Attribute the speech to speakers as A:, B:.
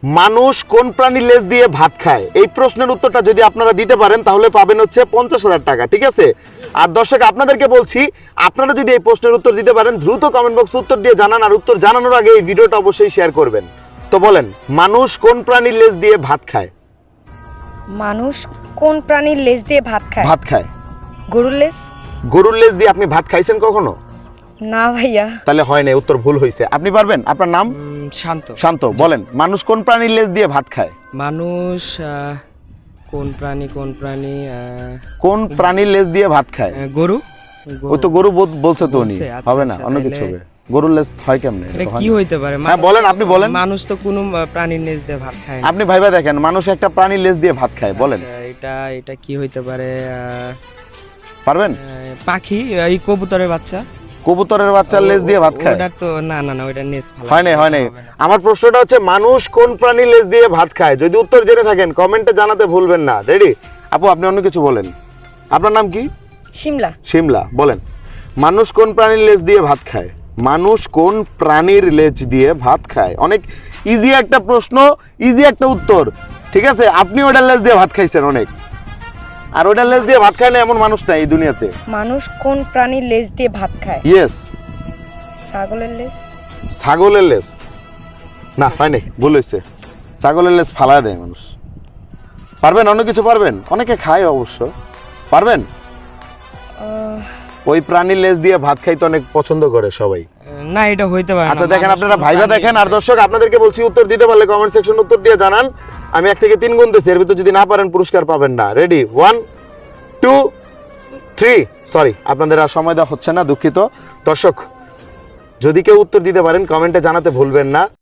A: মানুষ কোন প্রাণীর লেজ দিয়ে ভাত খায়? এই প্রশ্নের উত্তরটা যদি আপনারা দিতে পারেন তাহলে পাবেন হচ্ছে 50,000 টাকা, ঠিক আছে? আর দর্শক আপনাদেরকে বলছি, আপনারা যদি এই প্রশ্নের উত্তর দিতে পারেন দ্রুত কমেন্ট বক্সে উত্তর দিয়ে জানান, আর উত্তর জানানোর আগে এই ভিডিওটা অবশ্যই শেয়ার করবেন। তো বলেন, মানুষ কোন প্রাণীর লেজ দিয়ে ভাত খায়?
B: মানুষ কোন প্রাণীর লেজ দিয়ে ভাত খায়?
A: ভাত খায়
B: গরুর লেজ?
A: গরুর লেজ দিয়ে আপনি ভাত খাইছেন কখনো?
B: না ভাইয়া।
A: তাহলে হয় না, উত্তর ভুল হয়েছে। আপনি পারবেন? আপনার নাম?
C: শান্ত।
A: শান্ত। বলেন, মানুষ কোন প্রাণীর লেজ দিয়ে ভাত খায়?
C: মানুষ কোন প্রাণী
A: কোন প্রাণীর লেজ দিয়ে ভাত খায়?
C: গরু।
A: ওই তো গরু বলছে তো উনি।
C: বলছে, আচ্ছা,
A: হবে না,
C: আচ্ছা,
A: অন্য কিছু
C: তাহলে-
A: হবে। গরুর লেজ হয় কেমনে?
C: এটা কি হইতে পারে?
A: হ্যাঁ বলেন, আপনি বলেন।
C: মানুষ তো কোনো প্রাণীর লেজ দিয়ে ভাত খায় না।
A: আপনি ভাইবা দেখেন, মানুষ একটা প্রাণীর লেজ দিয়ে ভাত খায়, বলেন।
C: আচ্ছা, এটা কি হইতে পারে?
A: পারবেন?
C: পাখি, এই কবুতরের বাচ্চা।
A: কবুতরের বাচ্চার লেজ দিয়ে ভাত খায়?
C: ওটা তো না, ওটা নেজ ফালা।
A: হয় নাই। আমার প্রশ্নটা হচ্ছে, মানুষ কোন প্রাণীর লেজ দিয়ে ভাত খায়? যদি উত্তর জেনে থাকেন কমেন্টে জানাতে ভুলবেন না। রেডি? আপু, আপনি অন্য কিছু বলেন। আপনার নাম কি?
B: শিমলা।
A: শিমলা। বলেন, মানুষ কোন প্রাণীর লেজ দিয়ে ভাত খায়? মানুষ কোন প্রাণীর লেজ দিয়ে ভাত খায়? অনেক ইজি একটা প্রশ্ন, ইজি একটা উত্তর, ঠিক আছে? আপনি ওটার লেজ দিয়ে ভাত খাইছেন অনেক, আর ওটার লেজ দিয়ে ভাত খায় না এমন মানুষ নাই এই দুনিয়াতে।
B: মানুষ কোন প্রাণীর লেজ দিয়ে ভাত খায়?
A: ইয়েস।
B: ছাগলের লেজ?
A: ছাগলের লেজ? না, হয় নাই, ভুল হয়েছে। ছাগলের লেজ ফালায় দেয় মানুষ। পারবেন? অন্য কিছু পারবেন? অনেকে খায় অবশ্য। পারবেন? ওই প্রাণীর লেজ দিয়ে ভাত খাইতে অনেক পছন্দ করে সবাই।
C: না, এটা হইতে পারে না।
A: আচ্ছা দেখেন,
C: মানুষ
A: আপনারা
C: কোনো
A: ভাইবা
C: প্রাণী-
A: দেখেন। আর দর্শক আপনাদেরকে বলছি, উত্তর দিতে পারলে কমেন্ট সেকশন উত্তর দিয়ে জানান। আমি 1 থেকে 3 গুনতেছি, এর ভিতর যদি না পারেন পুরস্কার পাবেন না। রেডি? 1 2 3। সরি, আপনাদের আর সময় দেওয়া হচ্ছে না, দুঃখিত। দর্শক, যদি কেউ উত্তর দিতে পারেন কমেন্টে জানাতে ভুলবেন না।